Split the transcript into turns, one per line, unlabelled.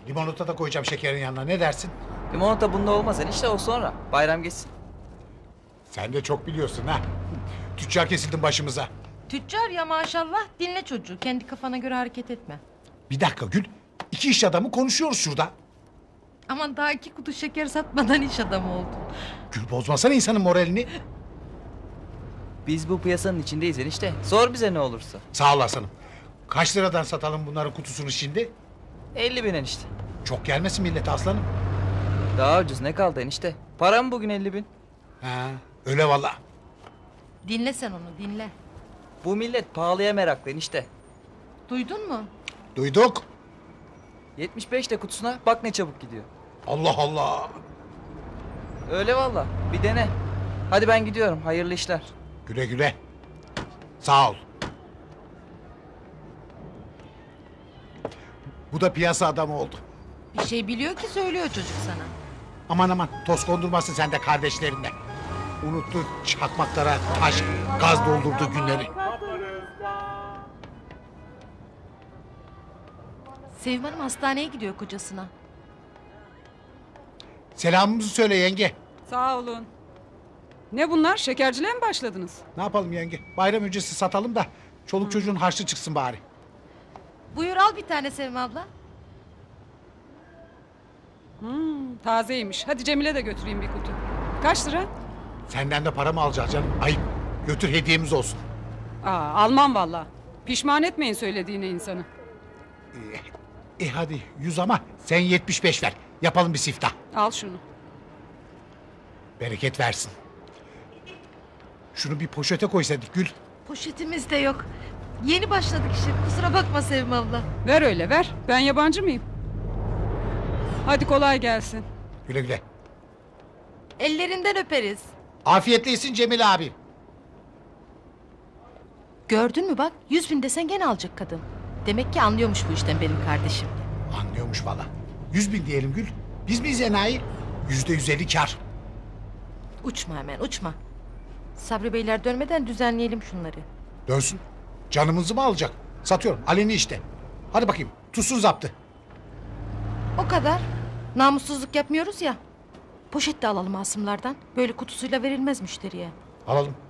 Limonata da koyacağım şekerin yanına. Ne dersin?
Limonata bunda olmaz enişte, o sonra. Bayram geçsin.
Sen de çok biliyorsun ha. Tüccar kesildin başımıza.
Tüccar ya maşallah. Dinle çocuğu. Kendi kafana göre hareket etme.
Bir dakika Gül. İki iş adamı konuşuyoruz şurada.
Aman daha 2 kutu şeker satmadan iş adamı oldun.
Gül bozmasana insanın moralini.
Biz bu piyasanın içindeyiz enişte. Sor bize ne olursa.
Sağ ol aslanım. Kaç liradan satalım bunların kutusunu şimdi?
50.000 enişte.
Çok gelmesin millete aslanım.
Daha ucuz ne kaldı enişte? Para mı bugün 50.000?
Ha, öyle valla.
Dinle sen onu dinle.
Bu millet pahalıya meraklı enişte.
Duydun mu?
Duyduk.
75 de kutusuna bak ne çabuk gidiyor.
Allah Allah.
Öyle valla. Bir dene. Hadi ben gidiyorum. Hayırlı işler.
Güle güle. Sağ ol. Bu da piyasa adamı oldu.
Bir şey biliyor ki söylüyor çocuk sana.
Aman aman toz kondurmasın sen de kardeşlerine. Unuttu çakmaklara taş, gaz doldurduğu günleri.
Sevim Hanım hastaneye gidiyor kocasına.
Selamımızı söyle yenge.
Sağ olun. Ne bunlar? Şekerciliğe mi başladınız?
Ne yapalım yenge? Bayram öncesi satalım da çoluk çocuğun harçlı çıksın bari.
Buyur al bir tane Sevim abla.
Tazeymiş. Hadi Cemile de götüreyim bir kutu. Kaç lira?
Senden de para mı alacağız canım? Ayıp. Götür hediyemiz olsun.
Almam valla. Pişman etmeyin söylediğine insanı.
Hadi 100 ama sen 75 ver. Yapalım bir siftah.
Al şunu.
Bereket versin. Şunu bir poşete koysaydık Gül.
Poşetimiz de yok. Yeni başladık işe. Kusura bakma Sevim abla.
Ver öyle ver. Ben yabancı mıyım? Hadi kolay gelsin.
Güle güle.
Ellerinden öperiz.
Afiyetle yesin Cemil abi.
Gördün mü bak 100.000 desen gene alacak kadın. Demek ki anlıyormuş bu işten benim kardeşim.
Anlıyormuş valla. 100.000 diyelim Gül. Biz miyiz enayi? %150 kar.
Uçma hemen uçma. Sabri Beyler dönmeden düzenleyelim şunları.
Dönsün. Canımızı mı alacak? Satıyorum. Aleni işte. Hadi bakayım. Tutsun zaptı.
O kadar. Namussuzluk yapmıyoruz ya. Poşet de alalım Asımlardan. Böyle kutusuyla verilmez müşteriye.
Alalım.